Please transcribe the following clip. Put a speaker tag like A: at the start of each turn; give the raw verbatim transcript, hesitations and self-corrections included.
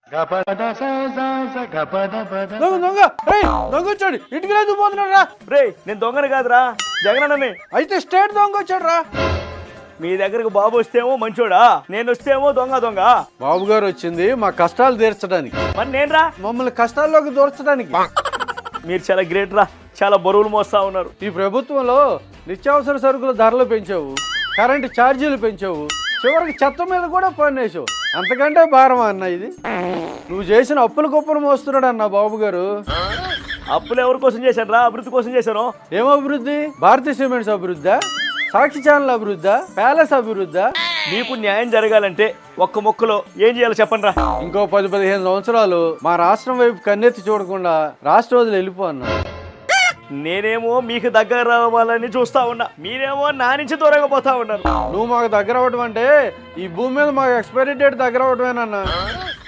A: దొంగ దొంగ రేయ్ దొంగ వచ్చాడు ఇంటికి లేదు పోతున్నాడు రా.
B: రే నేను దొంగని కాదురా జగనన్నని.
A: అయితే స్టేట్ దొంగ వచ్చాడు రా.
B: మీ దగ్గరకు బాబు వస్తేమో మంచోడా, నేను వస్తేమో దొంగ దొంగ.
A: బాబు గారు వచ్చింది మా కష్టాలు తీర్చడానికి,
B: మరి నేను రా
A: మమ్మల్ని కష్టాల్లోకి దూర్చడానికి.
B: మీరు చాలా గ్రేట్ రా, చాలా బరువులు మోస్తా ఉన్నారు.
A: ఈ ప్రభుత్వంలో నిత్యావసర సరుకుల ధరలు పెంచావు, కరెంటు ఛార్జీలు పెంచావు, చివరికి చెత్త మీద కూడా పన్నేసావు. అంతకంటే భారం అన్న ఇది. నువ్వు చేసిన అప్పుల కుప్పలు మోస్తున్నాడు అన్న బాబు గారు.
B: అప్పులు ఎవరి కోసం చేశాను రా? అభివృద్ధి కోసం చేశాను.
A: ఏం అభివృద్ధి? భారతీయ సిమెంట్స్ అభివృద్ధా, సాక్షి ఛానల్ అభివృద్ధా, ప్యాలెస్ అభివృద్ధా?
B: మీకు న్యాయం జరగాలంటే ఒక్క మొక్కలో ఏం చేయాలో చెప్పండి రా.
A: ఇంకో పది పదిహేను సంవత్సరాలు మా రాష్ట్రం వైపు కన్నెత్తి చూడకుండా రాష్ట్ర వదిలి వెళ్ళిపో అన్నా.
B: నేనేమో మీకు దగ్గర రావాలని చూస్తా ఉన్నా, మీరేమో నా నుంచి దూరంగా పోతా ఉన్నారు.
A: నువ్వు మాకు దగ్గర అవ్వడం అంటే ఈ భూమి మీద మాకు ఎక్స్పైరీ డేట్ దగ్గర అవ్వడమేనన్నా.